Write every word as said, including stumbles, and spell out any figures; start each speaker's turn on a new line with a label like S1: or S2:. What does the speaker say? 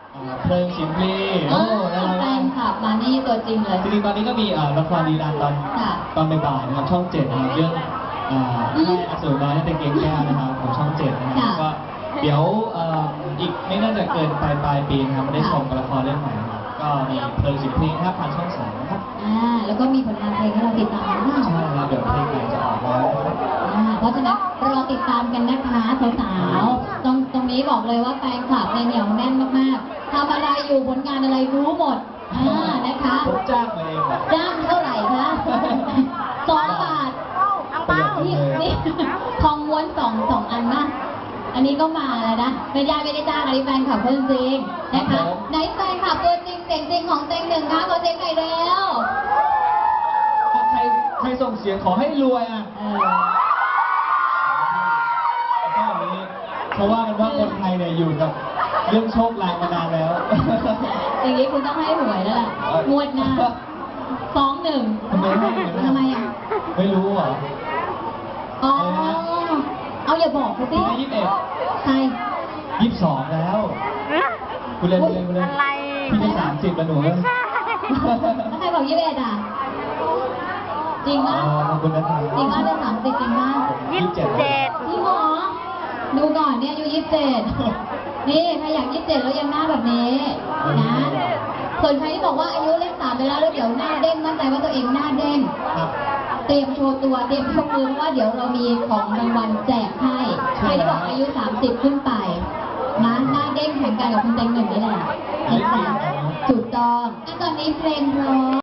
S1: เพลิงชิมพลีโอ้แล้วเรา
S2: แฟนคลับมานี่ตัวจริงเลย
S1: จริงๆตอนนี้ก็มีละครดีรันตอนตอนบ่ายๆนะครับช่องเจ็ดนะครับเรื่องแค่อสูรน้อยในเกงแก้วนะครับของช่องเจ็ดนะครับก็เดี๋ยวอีกไม่น่าจะเกินปลายปลายปีนะครับได้ชมละครเรื่องใหม่ครับก็มีเพลิงชิมพลีครับทางช่องสองนะครับ
S2: อ่าแล้วก็มีผลงานเพลงให้เราติดตามกัน
S1: ใช่ครับเดี๋ยวเพลงใหม่จะออกแล้ว
S2: เพราะฉะนั้นรอติดตามกันนะคะสาวๆตรงตรงนี้บอกเลยว่าแฟนคลับเนี่ยเหนียวแน่นมากๆทำอะไรอยู่ผลงานอะไรรู้หมดอ่านะคะ
S1: ผมจ้างมาเอง
S2: จ้างเท่าไหร่คะสองบาทนี่นี่ทองม้วนสองสองอันนะอันนี้ก็มาแล้วนะไม่ได้ไม่ได้จ้างอันนี้แฟนคลับเพื่อนจริงนะคะไหนแฟนคลับตัวจริงเสียงจริงของเต็งหนึ่งคะขอเสียงหน่อยเร็ว
S1: ใครใครส่งเสียงขอให้รวยอ่ะก็อย่างนี้เพราะว่ากันว่าคนไทยเนี่ยอยู่กับเรื่องโชคลางมานานแล้ว
S2: อย่างนี้คุณต้องให้หวยแล้วล่ะงวดหน้าสองหนึ่ง
S1: ทำไมไม่
S2: ทำไมอ่ะ
S1: ไม่รู้เหรอ
S2: อ๋อเอาอย่าบอกกูสิ
S1: ยี่สิบเอ็ด
S2: ใคร
S1: ยี่สิบสองแล้วคุณเล่นคุณเล่นคุณเล่นพี่ได้สามสิบแล้วหนูแล้ว
S2: ใครบอกยี่สิบเอ็ดอ่ะจริงป่ะจริงป่ะได้สามสิบจริงป่ะ
S1: ยี่สิบเจ็ด
S2: พี่หมอดูก่อนเนี่ยอายุยี่สิบเจ็ดนี่ใครอยากยี่สิบเจ็ดแล้วยังหน้าแบบนี้นะส่วนใครที่บอกว่าอายุเลขสามไปแล้วแล้วเดี๋ยวหน้าเด้งมั่นใจว่าตัวเองหน้าเด้งเตรียมโชว์ตัวเตรียมโชว์มือเพราะว่าเดี๋ยวเรามีของรางวัลแจกให้ใครที่บอกอายุสามสิบขึ้นไปนะหน้าเด้งแข่งกันกับคุณเต็งหนึ่งนี่แหละถูกต้องตอนนี้เพลงเพราะ